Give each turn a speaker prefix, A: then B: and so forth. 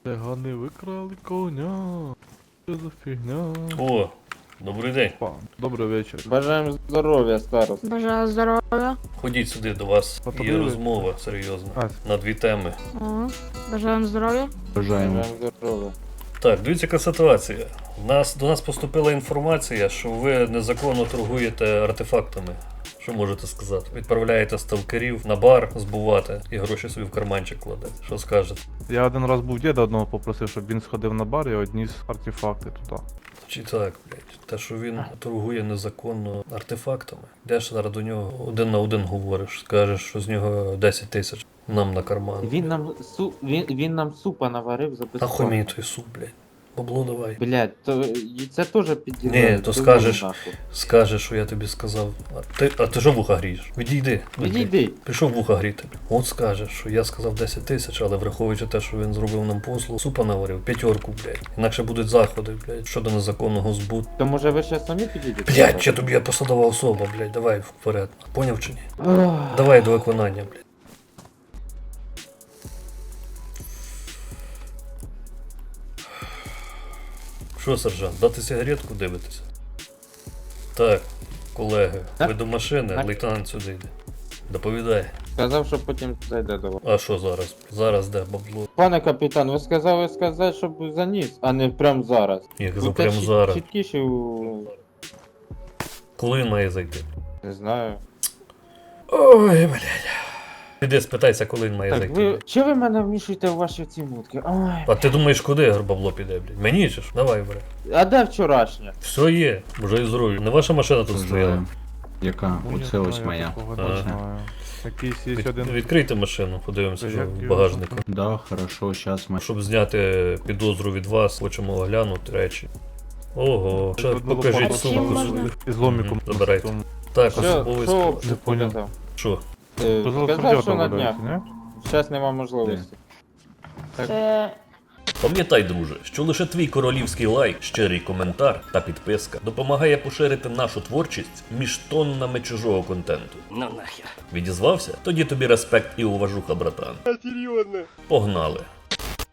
A: Цигани викрали коня. Що за фігня?
B: О, добрий день.
A: Добрий вечір.
C: Бажаємо здоров'я, старост.
D: Бажаю здоров'я.
B: Ходіть сюди до вас. Є
A: Потрібно?
B: розмова серйозна.
A: А.
B: На дві теми.
D: О, бажаємо здоров'я.
A: Бажаємо.
C: Бажаємо здоров'я.
B: Так, дивіться, яка ситуація. До нас поступила інформація, що ви незаконно торгуєте артефактами. Що можете сказати? Відправляєте сталкерів на бар збувати і гроші собі в карманчик кладете. Що скажете?
A: Я один раз був діда одного попросив, щоб він сходив на бар і одніс артефакти туди.
B: Чи так, блядь? Те, що він торгує незаконно артефактами. Йдеш зараз до нього один на один говориш, скажеш, що з нього 10 тисяч нам на карман.
C: Він нам супа наварив за
B: Нахуй
C: безплатно.
B: мені той суп, блядь. Бабло давай.
C: Блядь, то і це теж підділає.
B: Ні, то скажеш, що я тобі сказав. А ти що вуха грієш? Відійди.
C: Відійди.
B: Пішов вуха гріти. От скажеш, що я сказав 10 тисяч, але враховуючи те, що він зробив нам послугу, супа наварив, 5, блядь. Інакше будуть заходи, блядь, щодо незаконного збуту.
C: То може ви ще самі підійдете?
B: Блядь, чи тобі я посадова особа, блядь, давай вперед. Поняв чи ні?
C: Ох.
B: Давай до виконання, блядь. Що, сержант, дати сигаретку дивитися? Так, колеги, ви до машини,
C: Так.
B: лейтенант сюди йде. Доповідай.
C: Сказав, що потім зайде до вас.
B: А що зараз? Зараз де бабло?
C: Пане капітан, ви сказали сказати, щоб заніс, а не прямо зараз.
B: Як за
C: Будьте
B: прямо зараз.
C: чіткіше у...
B: Коли він має зайти?
C: Не знаю.
B: Ой, блядь. Піди спитайся, коли він має
C: Так,
B: зайти.
C: ви... Чи ви мене вмішуєте в ваші ці мутки? Ой.
B: А ти думаєш, куди бабло піде, блядь? Мені чи ж? Давай, блядь.
C: А де вчорашнє?
B: Все є, вже і здоров'я. Не ваша машина тут стояла.
E: Яка?
A: Ну,
E: Оце
A: я
E: ось
A: знаю,
E: моя.
A: такого не
B: Ага.
A: знаю. Якийсь є один.
B: Відкрийте машину, подивимося, що
A: Як
B: в
A: його
B: багажнику.
E: Да, хорошо, сейчас мы...
B: Щоб зняти підозру від вас, хочемо оглянути речі. Ого, ще
A: Одну
B: покажіть
A: лопату
D: Чим
B: сумку
D: можна?
B: свою.
A: Із ломіком.
B: Мгм, забирайте.
A: Тому-
B: Так,
C: Що,
B: особовий склад.
C: що
A: поняв.
C: показав?
B: Що?
C: Сказав, що на днях.
A: не?
C: Зараз нема можливості. Так.
D: Це
F: Пам'ятай, друже, що лише твій королівський лайк, щирий коментар та підписка допомагає поширити нашу творчість між тоннами чужого контенту. Ну нахер. Відізвався? Тоді тобі респект і уважуха, братан. Серйозно. Погнали.